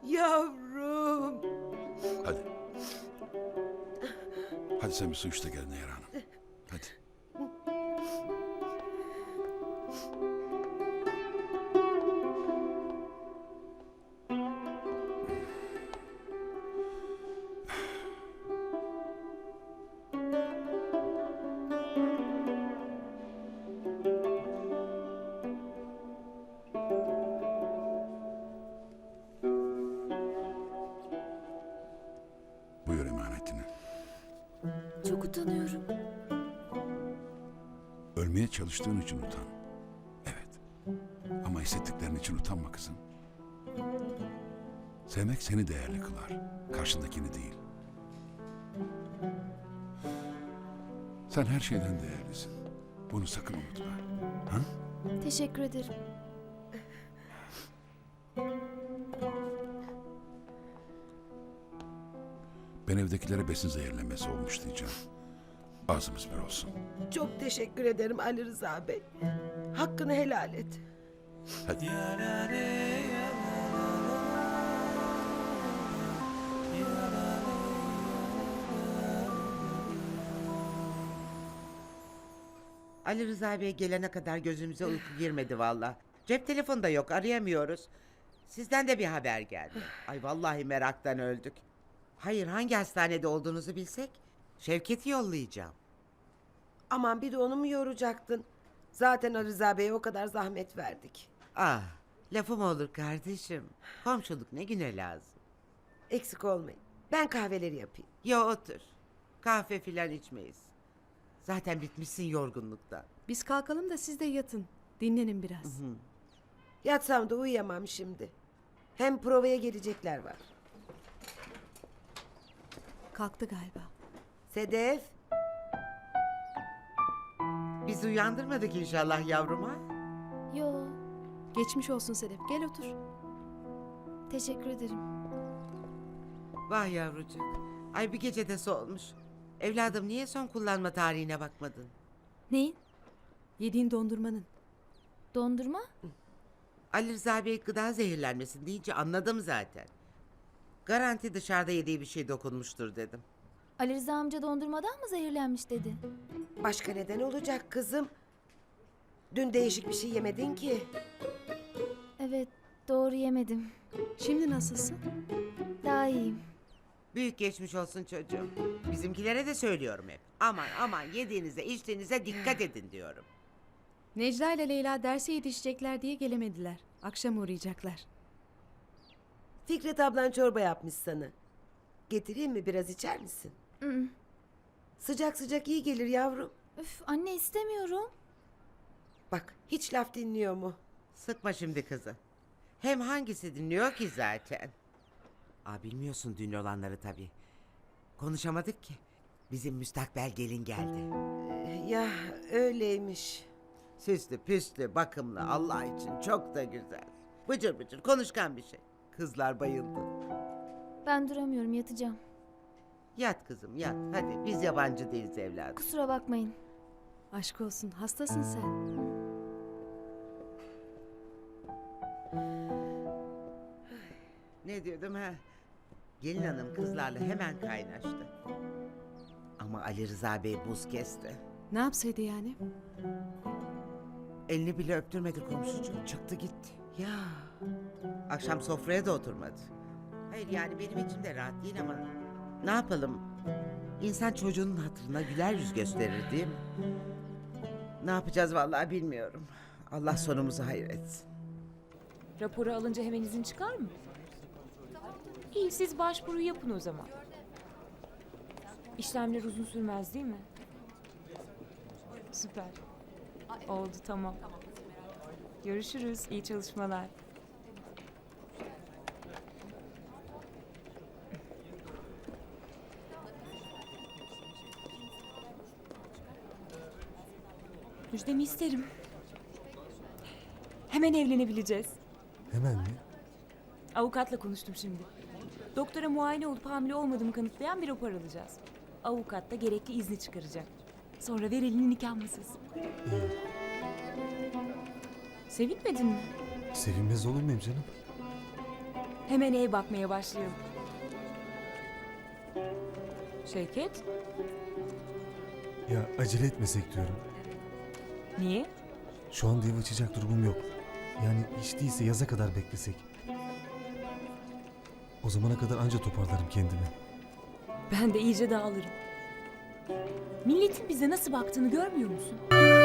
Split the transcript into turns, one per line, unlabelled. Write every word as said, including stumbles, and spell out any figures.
Yavrum.
Hadi. Hadi sen bir su iç de gel Nehir Hanım. Hadi. Buyur emanetini.
Çok utanıyorum.
Ölmeye çalıştığın için utan. Evet. Ama hissettiklerin için utanma kızım. Sevmek seni değerli kılar. Karşındakini değil. Sen her şeyden değerlisin. Bunu sakın unutma. Ha?
Teşekkür ederim.
Ben evdekilere besin zehirlenmesi olmuş diyeceğim. Ağzımız bir olsun.
Çok teşekkür ederim Ali Rıza Bey. Hakkını helal et.
Hadi.
Ali Rıza Bey gelene kadar gözümüze uyku girmedi valla. Cep telefonu da yok, arayamıyoruz. Sizden de bir haber geldi. Ay vallahi meraktan öldük. Hayır, hangi hastanede olduğunuzu bilsek Şevket'i yollayacağım.
Aman bir de onu mu yoracaktın? Zaten Ali Rıza Bey'e o kadar zahmet verdik.
Ah, lafım olur kardeşim. Komşuluk ne güne lazım.
Eksik olmayın. Ben kahveleri yapayım.
Ya otur. Kahve filan içmeyiz. Zaten bitmişsin yorgunluktan.
Biz kalkalım da siz de yatın. Dinlenin biraz.
Yatsam da uyuyamam şimdi. Hem provaya gelecekler var.
Kalktı galiba.
Sedef.
Bizi uyandırmadık inşallah yavruma.
Yo,
Geçmiş olsun Sedef. Gel otur.
teşekkür ederim.
Vah yavrucuk. Ay bir gecede solmuş. Evladım niye son kullanma tarihine bakmadın?
Neyin?
Yediğin dondurmanın.
Dondurma?
Ali Rıza Bey gıda zehirlenmesin deyince anladım zaten. Garanti dışarıda yediği bir şey dokunmuştur dedim.
Ali Rıza amca dondurmadan mı zehirlenmiş dedi?
Başka neden olacak kızım? Dün değişik bir şey yemedin ki.
Evet, doğru yemedim.
Şimdi nasılsın?
Daha iyiyim.
Büyük geçmiş olsun çocuğum. Bizimkilere de söylüyorum hep. Aman aman yediğinize içtiğinize dikkat edin diyorum.
Necla ile Leyla derse yetişecekler diye gelemediler. Akşam uğrayacaklar.
Fikret ablan çorba yapmış sana. Getireyim mi, biraz içer misin?
Mm.
Sıcak sıcak iyi gelir yavrum.
Üf, anne istemiyorum.
Bak hiç laf dinliyor mu?
Sıkma şimdi kızı. Hem hangisi dinliyor ki zaten? Aa, bilmiyorsun dün olanları tabii. Konuşamadık ki. Bizim müstakbel gelin geldi.
Ee, Ya öyleymiş.
Süslü püslü bakımlı Allah için çok da güzel. Bıcır bıcır konuşkan bir şey. Kızlar bayıldı.
Ben duramıyorum, yatacağım.
Yat kızım yat hadi biz yabancı değiliz evladım.
Kusura bakmayın.
Aşk olsun. Hastasın sen.
Ne diyordum ha? Gelin hanım kızlarla hemen kaynaştı. Ama Ali Rıza Bey buz kesti.
Ne yapsaydı yani?
Elini bile öptürmedi komşucuğum. Çıktı gitti. Ya. Akşam sofraya da oturmadı. Hayır yani benim içim de rahat değil ama ne yapalım? İnsan çocuğunun hatırına güler yüz gösterir değil mi? Ne yapacağız vallahi bilmiyorum. Allah sonumuzu hayır etsin.
Raporu alınca hemen izin çıkar mı? İyi, siz başvuru yapın o zaman. İşlemler uzun sürmez değil mi? Süper. Oldu, tamam. Görüşürüz, iyi çalışmalar. Müjdemi isterim. Hemen evlenebileceğiz.
Hemen mi?
Avukatla konuştum şimdi. Doktora muayene olup hamile olmadığımı kanıtlayan bir rapor alacağız. Avukat da gerekli izni çıkaracak. Sonra ver elini nikah masası. Sevinmedin mi?
Sevinmez olur muyum canım?
Hemen ev bakmaya başlayalım. Şevket,
Ya acele etmesek diyorum.
niye?
Şu anda ev açacak durumum yok. Yani hiç değilse yaza kadar beklesek. O zamana kadar anca toparlarım kendimi.
Ben de iyice dağılırım. Milletin bize nasıl baktığını görmüyor musun?